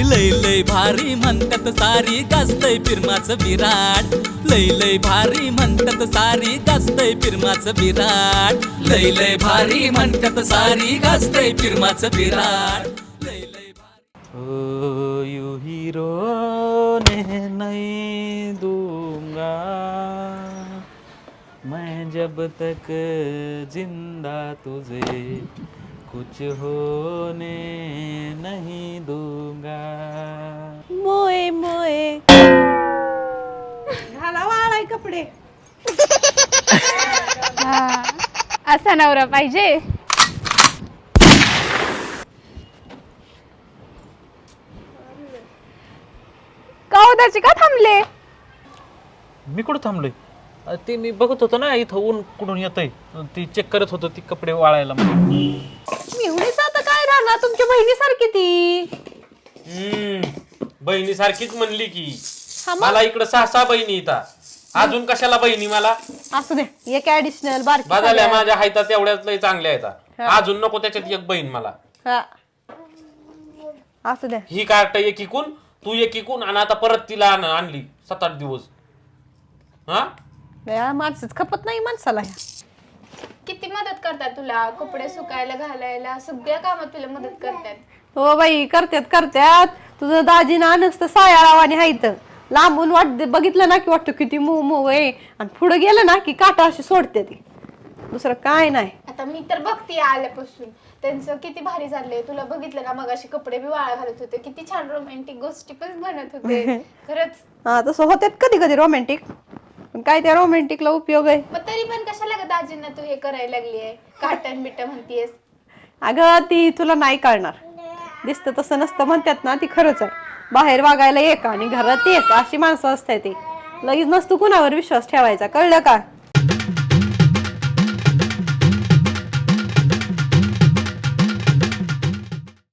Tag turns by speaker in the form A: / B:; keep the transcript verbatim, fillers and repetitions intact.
A: लय लय भारी म्हणतात सारी गाजतय फिरमाचं विराट लय लय भारी म्हणतात सारी गाजतय फिरमाचं विराट लय लय भारी म्हणतात सारी गाजतय फिरमाचं विराट लय लय भारी ओ यू हीरो ने नहीं दूंगा मैं जब तक जिंदा तुझे कुछ होने नहीं दूंगा
B: मोये मोये घाला वाळाय कपडे.
C: हा, असा नवरा पाहिजे. का उदाची का थांबले?
D: मी कुठं थांबलोय? अ, ते मी बघत होतो ना इथं ऊन कुठून येतंय ती चेक करत होतो ती कपडे वाळायला.
B: एवढीच आता काय राहणार तुमच्या बहिणीसारखी ती.
D: हम्म बहिणी सारखीच म्हणली की
B: हा मग?
D: मला इकडं सहा सहा बहिणी येतात अजून कशाला बहिणी मला
B: असू दे एक ऍडिशनल बारकी
D: बदलल्या
B: सगळ्या.
D: माझ्या हायता तेवढ्याच लय चांगल्या आहेत
B: हा.
D: अजून नको त्याच्यात एक बहीण मला.
B: हा. असू दे
D: ही कार्ट एक इकून तू एक इकून आणि आता परत तिला आण- आणली सात आठ दिवस. हा
B: या माणसंच खपत नाही माणसाला ह्या.
C: किती मदत करतात तुला कपडे सुकायला घालायला सगळ्या कामात तुला मदत करतात.
B: हो बाई करत्यात करत्यात. तुझं दाजी ना नसतं सायाळावाने हायत लांबून वाट बघितलं ना की वाटतं किती मऊ मऊ आहे आणि पुढे गेलं ना की काटा अशी सोडते ती. दुसरं काय नाही.
C: आता मी तर बघते आल्यापासून त्यांचं किती भारी चाललंय. तुला बघितलं ना मग अशी कपडे बी वाळा घालत होते किती छान रोमॅन्टिक गोष्टी पण बनत होते खरंच.
B: हा तसं होत्यात कधी कधी रोमॅन्टिक पण काय त्या रोमॅन्टिकला उपयोग आहे.
C: मग तरी पण कशाला ग दाजींना तू हे करायला लागली आहे काटन बिट म्हणतीयस.
B: अगं ती तुला नाही कळणार. दिसतं तसं नसतं म्हणतात ना ती खरंच आहे. बाहेर वागायला एक आणि घरात एक अशी माणसं असतात ती लगेच नसतो कुणावर विश्वास ठेवायचा कळलं का.